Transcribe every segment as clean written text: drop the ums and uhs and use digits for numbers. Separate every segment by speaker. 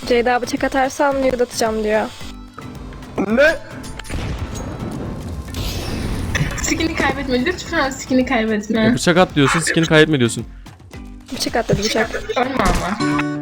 Speaker 1: Ceyda bıçak atarsan nude atacağım diyor.
Speaker 2: Ne?
Speaker 3: Skin'i kaybetme. Lütfen skin'i kaybetme.
Speaker 4: Bıçak at diyorsun, skin'i kaybetme diyorsun.
Speaker 1: Bıçak at dedi bıçak.
Speaker 3: Ölme ama.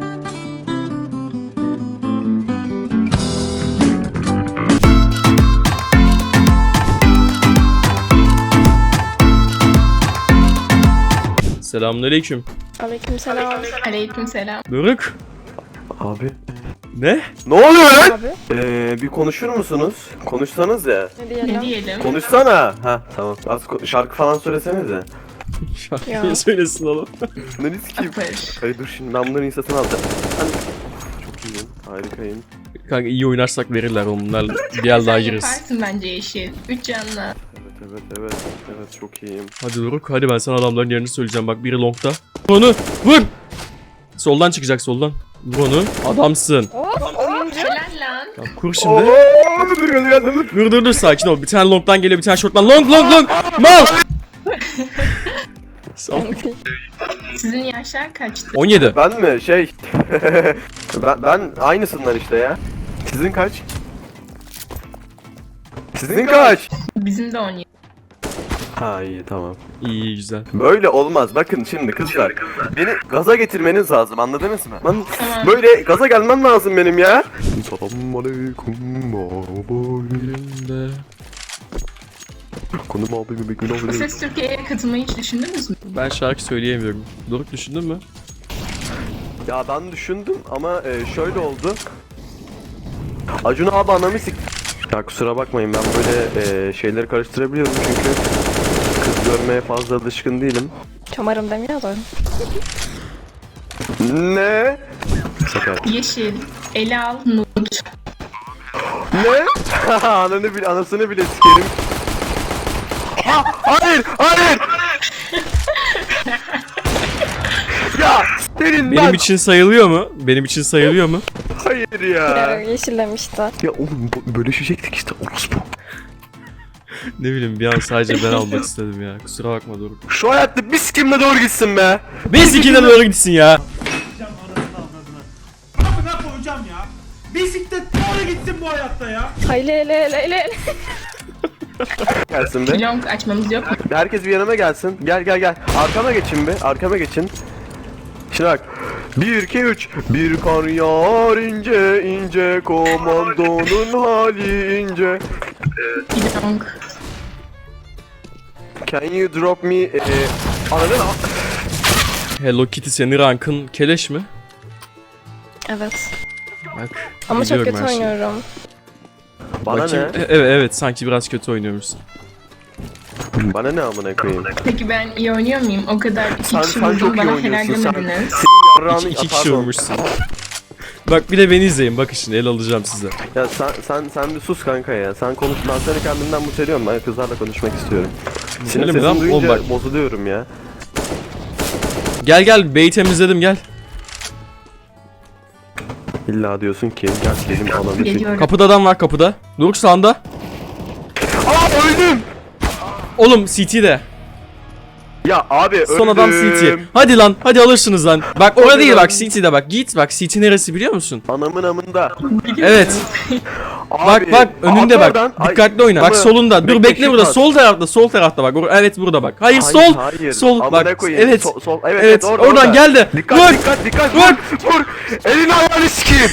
Speaker 4: Selamünaleyküm.
Speaker 1: Aleykümselam.
Speaker 3: Aleykümselam.
Speaker 4: Doruk.
Speaker 2: Abi.
Speaker 4: Ne?
Speaker 2: Ne oluyor lan?
Speaker 1: Abi
Speaker 2: Bir konuşur musunuz? Konuşsanız ya.
Speaker 1: ne
Speaker 3: Ne
Speaker 1: diyelim?
Speaker 3: diyelim?
Speaker 2: Konuşsana. Ha tamam. Az şarkı falan söylesenize.
Speaker 4: Şarkıyı
Speaker 1: Ya.
Speaker 4: söylesin oğlum.
Speaker 2: Ne riskiyim?
Speaker 3: Apır.
Speaker 2: Hayır dur şimdi ben bunların insatını alacağım. Çok iyiyim. Harikayım.
Speaker 4: Kanka iyi oynarsak verirler onlar. Bir el daha
Speaker 3: Sen
Speaker 4: gireriz.
Speaker 3: yaparsın bence Yeşil. 3 canla.
Speaker 2: Evet çok iyiyim.
Speaker 4: Hadi Doruk, hadi ben sana adamların yerini söyleyeceğim. Bak biri longta. Vur onu, vur! Soldan çıkacak, soldan. Vur onu. Adamsın.
Speaker 1: Oyuncu.
Speaker 3: Helal lan.
Speaker 4: Tamam, kur şimdi.
Speaker 2: Dur.
Speaker 4: Dur sakin ol. Bir tane long'dan geliyor, bir tane short'tan. Long. Mal!
Speaker 3: Sizin yaşlar kaçtı?
Speaker 4: 17.
Speaker 2: Ben mi? ben aynısınlar işte ya. Sizin kaç? Sizin kaç?
Speaker 3: Bizim de 17.
Speaker 2: Ha iyi tamam.
Speaker 4: İyi güzel.
Speaker 2: Böyle olmaz. Bakın şimdi kızlar. Beni gaza getirmeniz lazım. Anladınız mı? Ben
Speaker 3: Tamam.
Speaker 2: böyle gaza gelmem lazım benim ya. Selamünaleyküm abi.
Speaker 4: Birinde.
Speaker 2: Konum abi bir gün
Speaker 3: Bu Ses Türkiye'ye katılmayı hiç düşündünüz mü?
Speaker 4: Ben şarkı söyleyemiyorum. Doruk düşündün mü?
Speaker 2: Ya ben düşündüm ama şöyle oldu. Acun abi anamı sik... Ya kusura bakmayın ben böyle şeyleri karıştırabiliyorum çünkü kız görmeye fazla alışkın değilim.
Speaker 1: Çomarım demiyor da.
Speaker 2: Ne? Sakar.
Speaker 3: Yeşil. Ele al. Nude.
Speaker 2: Ne? Anasını bile sikerim. Hayır! Ya senin
Speaker 4: Benim için sayılıyor mu? Benim için sayılıyor mu?
Speaker 2: Hayır ya.
Speaker 1: Yeşil demişti.
Speaker 2: Ya oğlum bölüşecektik işte orospu.
Speaker 4: Ne bileyim, bir an sadece ben almak istedim ya. Kusura bakma Doruk.
Speaker 2: Şu hayatta biz kimle doğru gitsin be.
Speaker 4: Biz ikine doğru gitsin ya.
Speaker 5: Amına koyacağım ya. Bisiklet doğru gitsin bu hayatta ya.
Speaker 1: Hayli hele.
Speaker 2: Gelsin be.
Speaker 3: Long açmamız yok mu?
Speaker 2: Herkes bir yanıma gelsin. Gel. Arkama geçin be. Arkama geçin. Şimdi bak. 1 2 3 bir kar yağar ince komandonun hali ince.
Speaker 3: Long.
Speaker 2: Can you drop me anladın mı?
Speaker 4: Hello Kitty, senin rankın keleş mi?
Speaker 1: Evet.
Speaker 4: Bak.
Speaker 1: Ama çok
Speaker 4: biliyorum
Speaker 1: kötü
Speaker 4: her şeyi.
Speaker 1: oynuyorum.
Speaker 2: Bana
Speaker 4: Bakayım.
Speaker 2: ne?
Speaker 4: Evet sanki biraz kötü oynuyormuşsun.
Speaker 2: Bana ne amına koyayım?
Speaker 3: Peki ben iyi oynuyor muyum? O kadar iki
Speaker 2: Sen
Speaker 3: kişi
Speaker 2: çok
Speaker 3: vurdum
Speaker 2: iyi
Speaker 3: bana helal
Speaker 2: oynuyorsun sen.
Speaker 3: demediniz.
Speaker 2: Senin yarrağını
Speaker 4: İki kişi
Speaker 2: pardon.
Speaker 4: vurmuşsun. Bak bir de beni izleyin, bakın şimdi el alacağım size.
Speaker 2: Ya sen bir sus kanka ya. Sen konuş, ben seni kendimden muteliyorum. Ben kızlarla konuşmak istiyorum. Senin
Speaker 4: Öyle mi lan?
Speaker 2: sesini
Speaker 4: Oğlum
Speaker 2: duyunca
Speaker 4: bak.
Speaker 2: bozuluyorum ya.
Speaker 4: Gel B'yi temizledim, gel.
Speaker 2: İlla diyorsun ki gel benim ananı sik.
Speaker 3: Geliyorum.
Speaker 4: Kapıda adam var, kapıda. Doruk sağında.
Speaker 2: Aa öldüm!
Speaker 4: Oğlum CT'de.
Speaker 2: Ya abi öldüm.
Speaker 4: Son adam CT. Hadi lan, hadi alırsınız lan. Bak orada değil, bak CT'de bak. Git bak, CT neresi biliyor musun?
Speaker 2: Anamın amında.
Speaker 4: Evet.
Speaker 2: Abi,
Speaker 4: Bak önünde
Speaker 2: at
Speaker 4: bak.
Speaker 2: oradan. Ay,
Speaker 4: Dikkatli oyna. Bak
Speaker 2: ama
Speaker 4: solunda. Dur bekle
Speaker 2: şu
Speaker 4: burada.
Speaker 2: var.
Speaker 4: Sol tarafta bak. Evet burada bak. Hayır
Speaker 2: Hayır,
Speaker 4: sol.
Speaker 2: hayır.
Speaker 4: Sol
Speaker 2: Amına
Speaker 4: bak.
Speaker 2: koyayım.
Speaker 4: Evet.
Speaker 2: Sol.
Speaker 4: Evet.
Speaker 2: orada,
Speaker 4: Oradan
Speaker 2: orada.
Speaker 4: gel de.
Speaker 2: Dikkat
Speaker 4: Vur.
Speaker 2: dikkat.
Speaker 4: Vur.
Speaker 2: Vur. Elini ayağını sikeyim.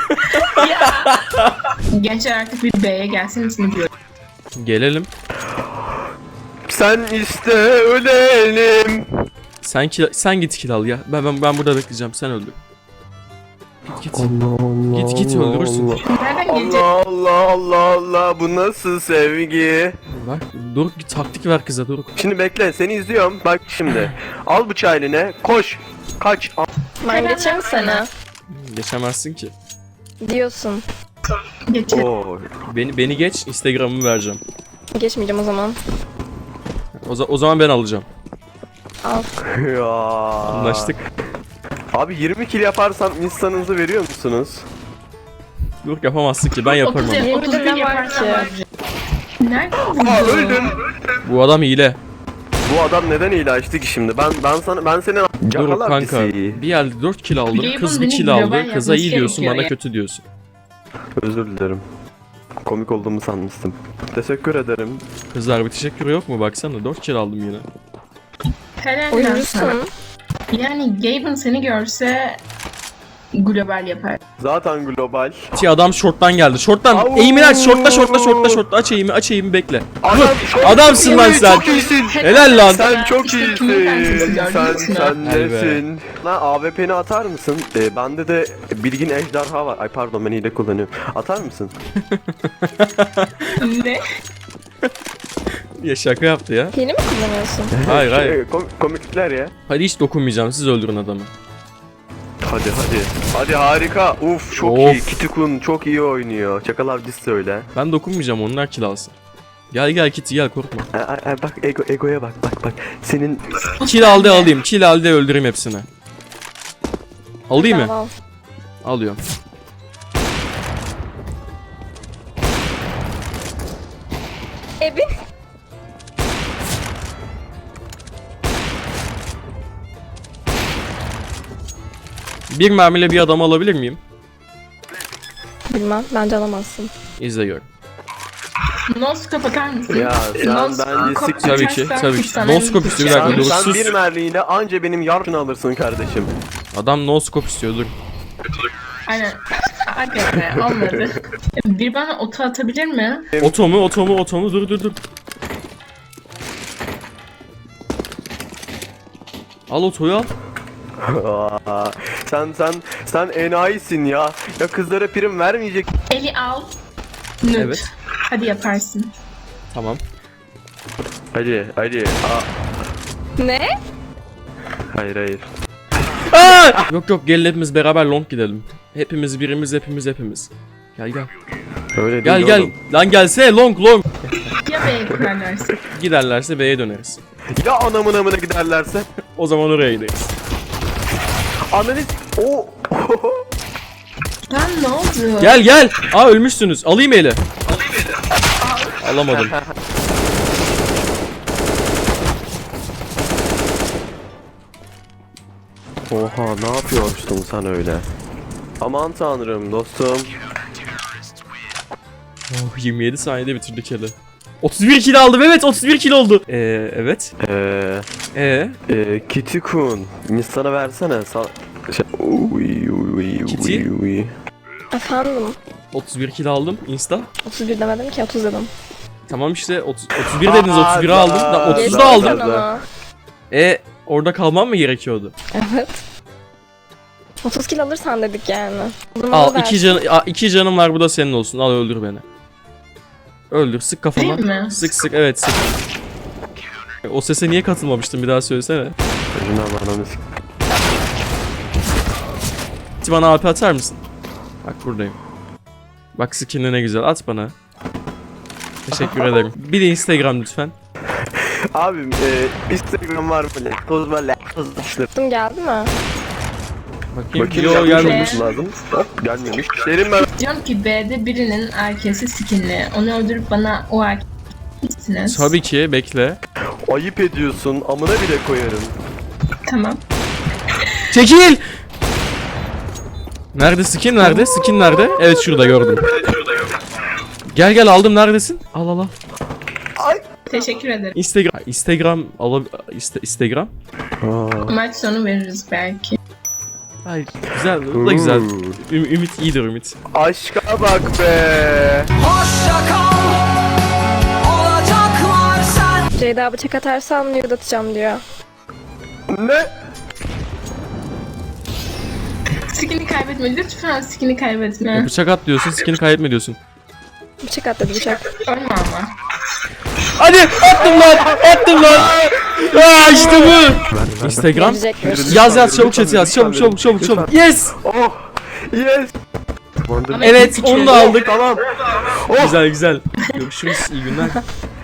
Speaker 3: Gençler artık bir B'ye gelseniz diyorum.
Speaker 4: Gelelim.
Speaker 2: Sen iste ölelim.
Speaker 4: Sen git kill al ya. Ben burada bekleyeceğim. Sen öldür. Git. Git öldürürsün.
Speaker 3: Nereden gelecek?
Speaker 2: Allah bu nasıl sevgi?
Speaker 4: Bak Doruk bir taktik ver kıza Doruk.
Speaker 2: Şimdi bekle seni izliyorum bak şimdi. Al bıçağı eline koş. Kaç.
Speaker 1: Ben geçeyim sana.
Speaker 4: Geçemezsin ki.
Speaker 1: Diyorsun.
Speaker 3: Geçelim.
Speaker 2: Oo.
Speaker 4: Beni geç, Instagram'ımı vereceğim.
Speaker 1: Geçmeyeceğim o zaman.
Speaker 4: O zaman ben alacağım.
Speaker 1: Al.
Speaker 2: Ya.
Speaker 4: Anlaştık.
Speaker 2: Abi 20 kill yaparsam insanınızı veriyor musunuz?
Speaker 4: Doruk yapamazsın ki, ben yaparım
Speaker 3: 30
Speaker 4: ama.
Speaker 3: 31
Speaker 1: Yemin
Speaker 3: yaparsan
Speaker 1: ederim
Speaker 3: var. Nereden
Speaker 2: Aa
Speaker 3: buldun?
Speaker 2: öldüm.
Speaker 4: Bu adam hile.
Speaker 2: Bu adam neden hile açtı ki şimdi? Ben senin
Speaker 4: Dur
Speaker 2: Cakal
Speaker 4: kanka.
Speaker 2: abisi.
Speaker 4: Bir yerde 4 kill aldım.
Speaker 3: Gabe'ın
Speaker 4: Kız bir
Speaker 3: beni
Speaker 4: kill
Speaker 3: global
Speaker 4: aldı. Kıza iyi
Speaker 3: yapması
Speaker 4: diyorsun,
Speaker 3: gerekiyor
Speaker 4: bana
Speaker 3: ya.
Speaker 4: kötü diyorsun.
Speaker 2: Özür dilerim. Komik olduğumu sanmıştım. Teşekkür ederim.
Speaker 4: Kızlar bir teşekkür yok mu? Baksana 4 kill aldım yine.
Speaker 3: Helal lan sana.
Speaker 1: Oyuncusun.
Speaker 3: Yani Gaben seni görse global yapar.
Speaker 2: Zaten global.
Speaker 4: Adam short'tan geldi. Short'tan
Speaker 2: Au!
Speaker 4: eğimini aç. Short'ta. Aç eğimi bek.
Speaker 2: Adam
Speaker 4: Adamsın lan sen.
Speaker 2: Çok iyisin.
Speaker 4: Helal lan.
Speaker 2: Sen çok
Speaker 3: İşte kimin kankası
Speaker 2: iyisin.
Speaker 3: gördün mü?
Speaker 2: Sen
Speaker 4: Helal be.
Speaker 2: nesin? Lan AWP'ni atar mısın? Bende de bilgin ejderha var. Ay pardon, ben hile kullanıyorum. Atar mısın?
Speaker 3: Ne?
Speaker 4: Ya şaka yaptı ya.
Speaker 1: Hile mi kullanıyorsun?
Speaker 4: Hayır hayır.
Speaker 2: Komiklikler ya.
Speaker 4: Hadi hiç dokunmayacağım. Siz öldürün adamı.
Speaker 2: Hadi. Hadi harika. Uf çok
Speaker 4: Of.
Speaker 2: iyi. Kitikun çok iyi oynuyor. Çakal abi söyle.
Speaker 4: Ben dokunmayacağım. Onlar kill alsın. Gel Kitty gel korkma.
Speaker 2: Bak egoya bak. Senin
Speaker 4: Kill aldı alayım. Kill aldı öldüreyim hepsini. Alayım mı?
Speaker 1: Tamam.
Speaker 4: Alıyorum.
Speaker 1: Evin.
Speaker 4: Bir mermiyle bir adam alabilir miyim?
Speaker 1: Bilmem. Bence alamazsın.
Speaker 4: İzle gör.
Speaker 3: Noskop atar mısın?
Speaker 2: Ya sen bence sik.
Speaker 4: Tabii ki, tabii ki.
Speaker 3: Sana
Speaker 4: Noskop istiyor, bir dakika,
Speaker 2: Sen,
Speaker 4: dur,
Speaker 2: sen
Speaker 4: sus.
Speaker 2: bir merliğiyle anca benim yarını alırsın kardeşim.
Speaker 4: Adam no scope istiyor dur.
Speaker 3: Aynen. Hadi be olmadı. Bir bana oto atabilir mi?
Speaker 4: Oto mu dur. Al otoyu al.
Speaker 2: Aa, sen enayisin ya. Ya kızlara prim vermeyecek.
Speaker 3: Eli al. Nüt.
Speaker 4: Evet.
Speaker 3: Hadi yaparsın.
Speaker 4: Tamam.
Speaker 2: Hadi. Aa,
Speaker 1: Ne?
Speaker 2: hayır.
Speaker 4: Yok gelin hepimiz beraber long gidelim. Hepimiz birimiz hepimiz. Gel.
Speaker 2: Öyle değil
Speaker 4: Gel.
Speaker 2: oğlum.
Speaker 4: Lan gelse long.
Speaker 3: Ya B'ye kurarlarsa?
Speaker 4: Giderlerse B'ye döneriz.
Speaker 2: Ya anamın amına giderlerse?
Speaker 4: O zaman oraya gideriz.
Speaker 2: Ananı o.
Speaker 3: Lan ne oldu?
Speaker 4: Gel. Aa ölmüşsünüz. Alayım eli. Alamadım.
Speaker 2: Oha, ne yapıyorsun sen öyle? Aman tanrım dostum.
Speaker 4: Oh 27 saniyede bitirdik eli. 31 kill aldım, evet 31 kill oldu. Evet.
Speaker 2: Kitikun. Sana versene.
Speaker 4: Kitty?
Speaker 1: Efendim.
Speaker 4: 31 kill aldım insta.
Speaker 1: 31 demedim ki 30 dedim.
Speaker 4: Tamam işte 31 dediniz, 31'i aldım. Da 30'u
Speaker 1: Geçti
Speaker 4: da aldım.
Speaker 1: sen ona.
Speaker 4: Orada kalmam mı gerekiyordu?
Speaker 1: Evet. 30 kill alırsan dedik yani.
Speaker 4: Al 2 canım var, bu da senin olsun. Al öldür beni. Öldür, sık kafama.
Speaker 3: Değil mi?
Speaker 4: Sık evet sık. O sese niye katılmamıştın, bir daha söylesene. Bana AP atar mısın? Bak buradayım. Bak skin'e ne güzel, at bana. Teşekkür ederim. Bir de Instagram lütfen.
Speaker 2: Abim Instagram var böyle. Toz böyle.
Speaker 1: Attım geldi mi?
Speaker 4: Bakayım.
Speaker 2: Bakayım
Speaker 4: Yo
Speaker 2: gelmiş
Speaker 4: gelmemiş.
Speaker 2: olması lazım. Hop gelmemiş. Derim ben.
Speaker 3: Diyorum ki B'de birinin erkesi skinli. Onu öldürüp bana o erkeksiniz.
Speaker 4: Tabii ki, bekle.
Speaker 2: Ayıp ediyorsun. Amına bile koyarım.
Speaker 3: Tamam.
Speaker 4: Çekil! Nerede skin nerede? Skin nerede? Evet şurada gördüm. Gel aldım, neredesin? Al.
Speaker 3: Teşekkür ederim.
Speaker 4: Instagram Instagram.
Speaker 3: Maç sonu veririz belki.
Speaker 4: Hayır güzel, bu da güzel. Ümit iyidir Ümit.
Speaker 2: Aşka bak be.
Speaker 1: Ceyda bıçak atarsan nude atacağım diyor.
Speaker 2: Ne?
Speaker 3: Skin'i kaybetme. Lütfen skin'i kaybetme.
Speaker 4: Bıçak at diyorsun, skin'i kaybetme diyorsun.
Speaker 1: Bıçak at dedi bıçak.
Speaker 3: Ölme ama.
Speaker 4: Hadi attım lan. Aa işte bu. Instagram.
Speaker 1: Gelecekmiş.
Speaker 4: Yaz çabuk chat yaz. Çabuk. Yes.
Speaker 2: Oh. Yes.
Speaker 4: Evet onu da aldık.
Speaker 2: Tamam.
Speaker 4: Güzel. Görüşürüz. İyi günler.